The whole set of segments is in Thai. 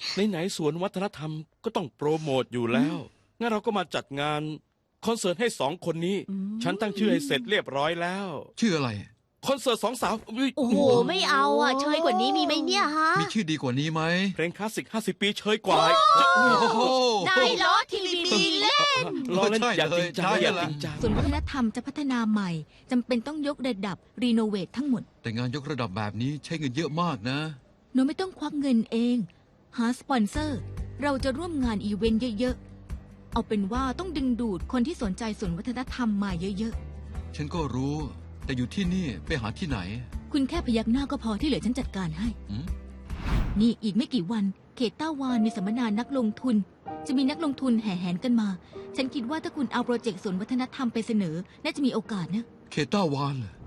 ไหนๆสวนวัฒนธรรมก็ต้องโปรโมทอยู่แล้วงั้นเราก็มาจัดงานคอนเสิร์ตให้2 คนนี้ฉันตั้งชื่อให้เสร็จเรียบร้อยแล้วชื่ออะไรคอนเสิร์ต2 สาวอุ๊ยโอ้โหไม่เอาอ่ะเชยกว่านี้มีไหมเนี่ยฮะมีชื่อดีกว่านี้ไหมเพลงคลาสสิก50 ปีเชยกว่าโอ้โหนายล้อทีวีเล่นล้อเล่นใช่อย่าจริงจังใช่อย่าเลยจริงจังส่วนวัฒนธรรมจะพัฒนาใหม่จำเป็นต้องยกระดับรีโนเวททั้งหมดแต่งานยกระดับแบบนี้ใช้เงินเยอะมากนะหนูไม่ต้องควักเงินเอง หาสปอนเซอร์ เราจะร่วมงานอีเวนต์เยอะๆ เอาเป็นว่าต้องดึงดูดคนที่สนใจส่วนวัฒนธรรมมาเยอะฉันก็รู้ แต่อยู่ที่นี่ไปหาที่ไหนๆ คุณแค่พยักหน้าก็พอที่เหลือฉันจัดการให้หืมนี่อีกไม่กี่วันเขตต้าวานมีสัมมนานักลงทุน จะมีนักลงทุนแห่แหนกันมา ฉันคิดว่าถ้าคุณเอาโปรเจกต์ส่วนวัฒนธรรมไปเสนอ น่าจะมีโอกาสนะเคต้าวานเหรอ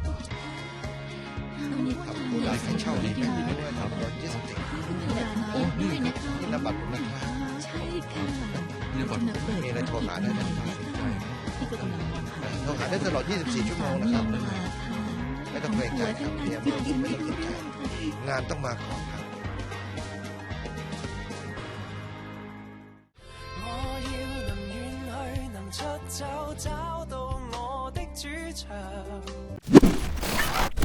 ผู้ใดให้เช่าดีไม่ดีด้วยครับรถยี่สิบด้วยนะคะนี่นบัตรผมนะครับใช่ค่ะนี่บัตรมีอะไรโทรหาได้นะครับที่ก็กำลังโทรหาได้ตลอด 24 ชั่วโมงนะครับ ไม่ต้องเกรงใจครับเตรียมไม่ต้องสนใจงานต้องมาก่อนครับ我要能遠去，能出走，找到我的主場。